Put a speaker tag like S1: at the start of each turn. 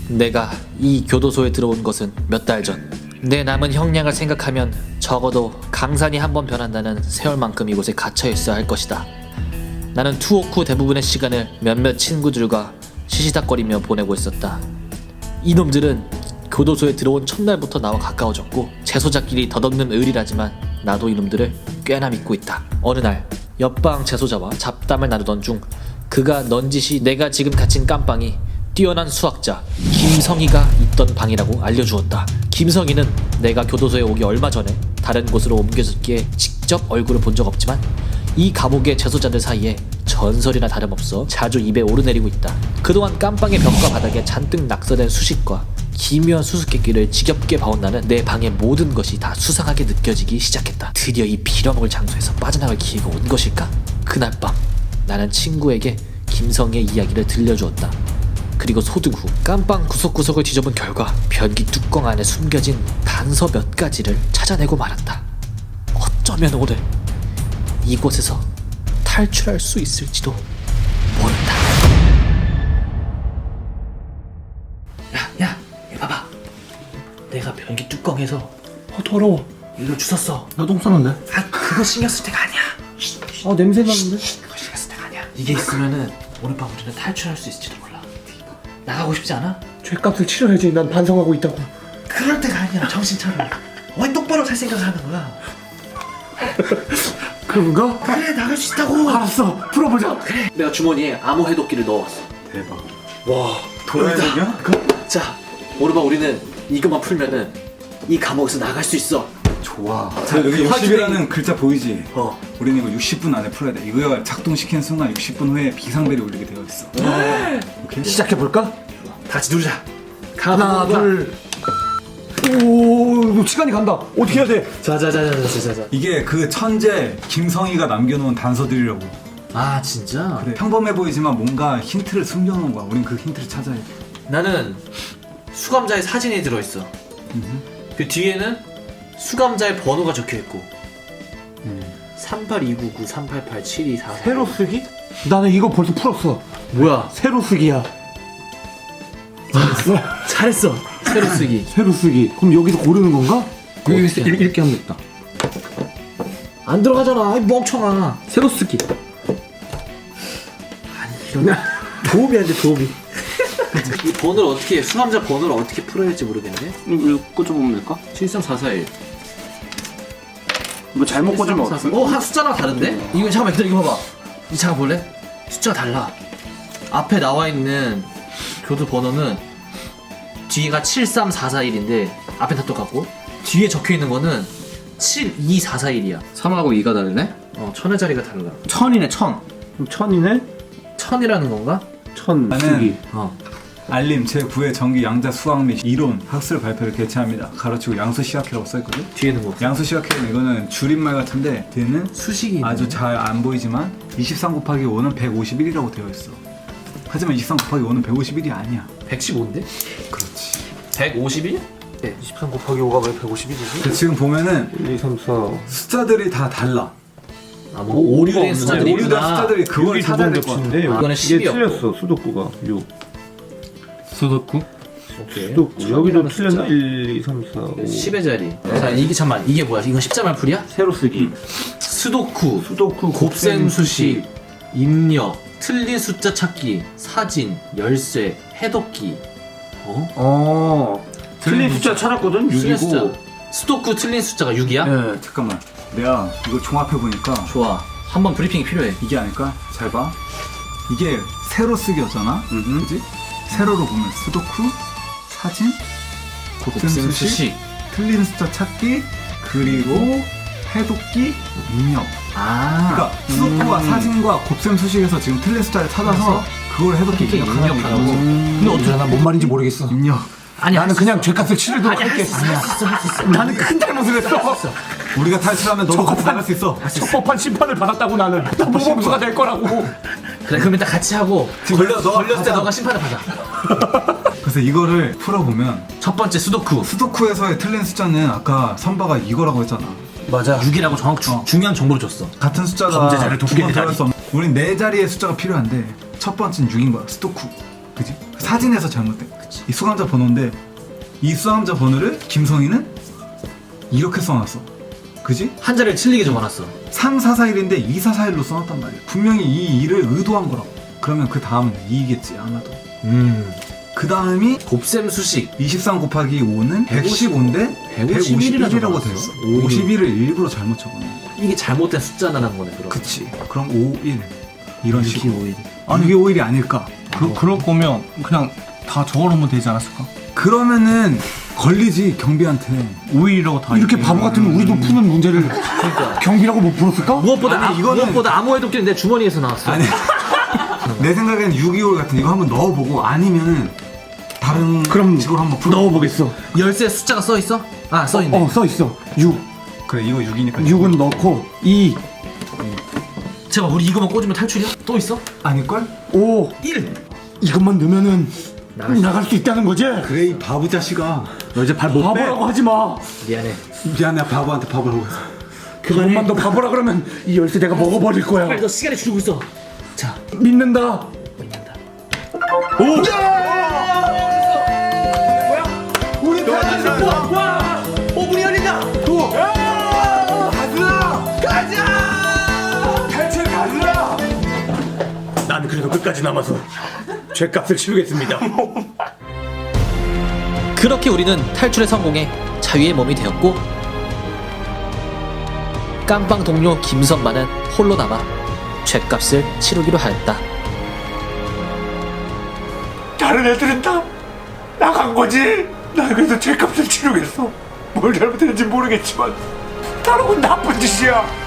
S1: 내가 이 교도소에 들어온 것은 몇 달 전. 내 남은 형량을 생각하면 적어도 강산이 한번 변한다는 세월만큼 이곳에 갇혀 있어야 할 것이다. 나는 투옥 후 대부분의 시간을 몇몇 친구들과 시시닥거리며 보내고 있었다. 이놈들은 교도소에 들어온 첫날부터 나와 가까워졌고 재소자끼리 덧없는 의리라지만 나도 이놈들을 꽤나 믿고 있다. 어느 날 옆방 재소자와 잡담을 나누던 중 그가 넌지시 내가 지금 갇힌 깜빵이 뛰어난 수학자 김성희가 있던 방이라고 알려주었다. 김성희는 내가 교도소에 오기 얼마 전에 다른 곳으로 옮겨졌기에 직접 얼굴을 본 적 없지만 이 감옥의 재소자들 사이에 전설이나 다름없어 자주 입에 오르내리고 있다. 그동안 깜빵의 벽과 바닥에 잔뜩 낙서된 수식과 기묘한 수수께끼를 지겹게 봐온 나는 내 방의 모든 것이 다 수상하게 느껴지기 시작했다. 드디어 이 빌어먹을 장소에서 빠져나갈 기회가 온 것일까? 그날 밤 나는 친구에게 김성희의 이야기를 들려주었다. 그리고 소등 후 깜빵 구석구석을 뒤져본 결과 변기 뚜껑 안에 숨겨진 단서 몇 가지를 찾아내고 말았다. 어쩌면 오늘 이곳에서 탈출할 수 있을지도 모른다. 야, 봐봐. 내가 변기 뚜껑에서
S2: 더러워.
S1: 이걸 주웠어.
S2: 나 똥 싸는데?
S1: 아, 그거 신경 쓸 때가 아니야.
S2: 아, 냄새 나는데?
S1: 그거 신경 쓸 때가 아니야. 이게 있으면은 오늘 밤 우리는 탈출할 수 있을지도 몰라. 나가고 싶지 않아?
S2: 죄값을 치러야지. 난 반성하고 있다고.
S1: 그럴 때가 아니라 정신 차려. 왜 똑바로 살 생각을 하는 거야?
S2: 그런가?
S1: 그래, 나갈 수 있다고.
S2: 알았어. 풀어보자.
S1: 그래. 내가 주머니에 암호 해독기를 넣어왔어.
S2: 대박. 와,
S1: 도라이야? 자, 오늘 밤 우리는 이것만 풀면은 이 감옥에서 나갈 수 있어.
S3: 좋아.
S1: 자,
S3: 여기
S1: 그
S3: 60이라는 글자 보이지?
S1: 우리는
S3: 이거 60분 안에 풀어야 돼. 이거 작동시키는 순간 60분 후에 비상벨이 울리게 되어 있어. 오케이?
S2: 시작해볼까?
S1: 다 같이 누르자.
S2: 하나, 둘. 오, 시간이 간다. 어떻게 해야 돼?
S1: 자자자자자.
S3: 이게 그 천재 김성희가 남겨놓은 단서들이라고.
S1: 아, 진짜?
S3: 그래. 평범해 보이지만 뭔가 힌트를 숨겨놓은 거야. 우린 그 힌트를 찾아야 돼.
S1: 나는 수감자의 사진이 들어있어. 그 뒤에는 수감자의 번호가 적혀있고 382993887244.
S2: 새로 쓰기? 나는 이거 벌써 풀었어.
S1: 뭐야?
S2: 새로 쓰기야.
S1: 잘했어. 새로 쓰기.
S2: 새로 쓰기. 그럼 여기서 고르는 건가?
S1: 여기서
S2: 이렇게 하면 됐다.
S1: 안 들어가잖아, 이 멍청아.
S2: 새로 쓰기.
S1: 이런 도움이 안 돼, 도움이. 이 번호를 어떻게, 수감자 번호를 어떻게 풀어야 할지 모르겠네.
S2: 이거 꽂아보면 될까?
S1: 73441.
S2: 뭐 잘못 꽂으면 어떡해?
S1: 한 숫자랑 다른데? 이거 잠깐만 기다려, 이거 봐봐. 이 잠깐 볼래? 숫자가 달라. 앞에 나와 있는 교도 번호는 뒤가 73441인데 앞에 다 똑같고 뒤에 적혀 있는 거는 72441이야.
S4: 3하고 2가 다르네?
S1: 천의 자리가 달라.
S2: 천이네, 천. 그럼 천이네?
S1: 천이라는 건가?
S2: 천
S3: 나는
S2: 쓰기.
S3: 알림 제9회 정기 양자 수학 및 이론 학술 발표를 개최합니다. 가로치고 양수 시학회라고 써있거든?
S1: 뒤에는 뭐?
S3: 양수 시학회는 이거는 줄임말 같은데 뒤에는
S1: 수식이
S3: 아주 잘 안 보이지만 23 곱하기 5는 151이라고 되어 있어. 하지만 23 곱하기 5는 151이 아니야.
S1: 115인데?
S3: 그렇지.
S1: 151?
S2: 23 곱하기 5가 왜 151이지?
S3: 지금 보면은
S2: 1, 2, 3, 4, 5.
S3: 숫자들이 다 달라.
S1: 뭐 오류된
S2: 없네.
S1: 숫자들이
S3: 오류된
S1: 있구나.
S3: 숫자들이 그걸 찾아야 될 것 같아.
S2: 데
S1: 이거는
S2: 이게
S1: 10이었고.
S2: 틀렸어. 수도쿠가 6.
S4: 수도쿠?
S1: 오케이.
S2: 수도쿠. 여기도
S1: 천이라는
S2: 틀렸나?
S1: 숫자.
S2: 1, 2, 3, 4, 5.
S1: 10의 자리. 자, 이게 잠만, 이게 뭐야? 이건 십자말 풀이야?
S2: 새로 쓰기.
S1: 수도쿠,
S2: 수도쿠,
S1: 곱셈수식, 입력, 틀린 숫자 찾기, 사진, 열쇠, 해독기.
S2: 틀린 숫자 찾았거든?
S1: 틀린 숫자.
S2: 6이고.
S1: 수도쿠 틀린 숫자가 6이야?
S3: 네, 잠깐만. 내가 이거 종합해 보니까
S1: 좋아. 한번 브리핑이 필요해.
S3: 이게 아닐까? 잘 봐. 이게 세로 쓰기였잖아. 그지? 세로로 보면 수도쿠, 사진, 곱셈수식,
S1: 곱셈수식.
S3: 틀린 숫자 찾기, 그리고 해독기, 입력.
S1: 아.
S3: 그러니까 수도쿠와 사진과 곱셈수식에서 지금 틀린 숫자를 찾아서 그걸 해독기
S1: 해독기
S3: 입력하라고.
S1: 입력하라고.
S2: 근데 어떻게 나뭔 말인지 모르겠어.
S3: 입력.
S1: 아니,
S2: 나는 그냥 죄값을 치르도록
S1: 아니,
S2: 할게.
S1: 할수
S2: 나는 큰 잘못을 했어.
S3: 우리가 탈출하면 너도 같이 나갈 수 있어.
S2: 적법한 심판을 받았다고 나는. 나 모범수가 될 거라고.
S1: 그래, 그럼 일단 같이 하고 걸렸을 때 너가 심판을 받아.
S3: 그래서 이거를 풀어보면
S1: 첫 번째 수도쿠.
S3: 수도쿠에서의 틀린 숫자는 아까 선바가 이거라고 했잖아.
S1: 맞아. 6이라고 중요한 정보를 줬어.
S3: 같은 숫자가
S2: 범죄자를
S3: 두
S2: 돕게
S3: 번
S2: 되다니.
S3: 들어갈 수 없는. 우린 네 자리의 숫자가 필요한데 첫 번째는 6인 거야. 수도쿠. 그지? 사진에서 잘못된. 이 수감자 번호인데 이 수감자 번호를 김성희는 이렇게 써놨어. 그지?
S1: 한자를 틀리게 적어놨어.
S3: 3441인데 2441로 써놨단 말이야. 분명히 이 일을 의도한 거라고. 그러면 그 다음은 2겠지 아마도. 그 다음이
S1: 곱셈 수식.
S3: 23 곱하기 5는 115인데 151이라고 되었어. 51을 일부러 잘못 적어놓은 거야.
S1: 이게 잘못된 숫자라는 거네. 그럼.
S3: 그치. 그럼 51 이런 식으로.
S1: 5일.
S3: 아니 이게 5일이 아닐까?
S5: 그럴 거면 그냥 다 적어놓으면 되지 않았을까?
S3: 그러면은 걸리지 경비한테.
S5: 5일이라고 다
S2: 이렇게 바보 같으면 우리도 푸는 문제를 경비라고 못 풀었을까?
S1: 무엇보다
S3: 아니, 이거는-
S1: 무엇보다 암호의 도끼는 내 주머니에서 나왔어.
S3: 아니 내 생각엔 6.25 같은 이거 한번 넣어보고 아니면은 다른
S2: 그럼
S3: 식으로 한번 풀어.
S2: 넣어보겠어.
S1: 열쇠 숫자가 써 있어? 아, 써 있네.
S2: 써 있어. 6.
S3: 그래 이거 6이니까
S2: 6은 넣고 2,
S1: 제가 우리 이거만 꽂으면 탈출이야? 또 있어?
S3: 아닐걸?
S2: 5,
S1: 1.
S2: 이것만 넣으면은 나갈 수 있다는 거지?
S3: 그래 이 바보 자식아.
S2: 너 이제 발 못 빼. 바보라고 하지 마.
S1: 미안해.
S3: 미안해 바보한테 바보라고 해서.
S2: 그것만 너 바보라 그러면 이 열쇠 내가 먹어버릴 거야.
S1: 빨리 너 시간이 줄고 있어. 자,
S2: 믿는다.
S1: 믿는다.
S3: 우리
S1: 와! 오, 문이 열린다.
S2: 난 그래도 끝까지 남아서 죄값을 치르겠습니다.
S1: 그렇게 우리는 탈출에 성공해 자유의 몸이 되었고 깜빵 동료 김선만은 홀로 남아 죄값을 치르기로 하였다.
S2: 다른 애들은 다 나간 거지. 나 그래도 죄값을 치르겠어. 뭘 잘못했는지 모르겠지만 다른 건 나쁜 짓이야.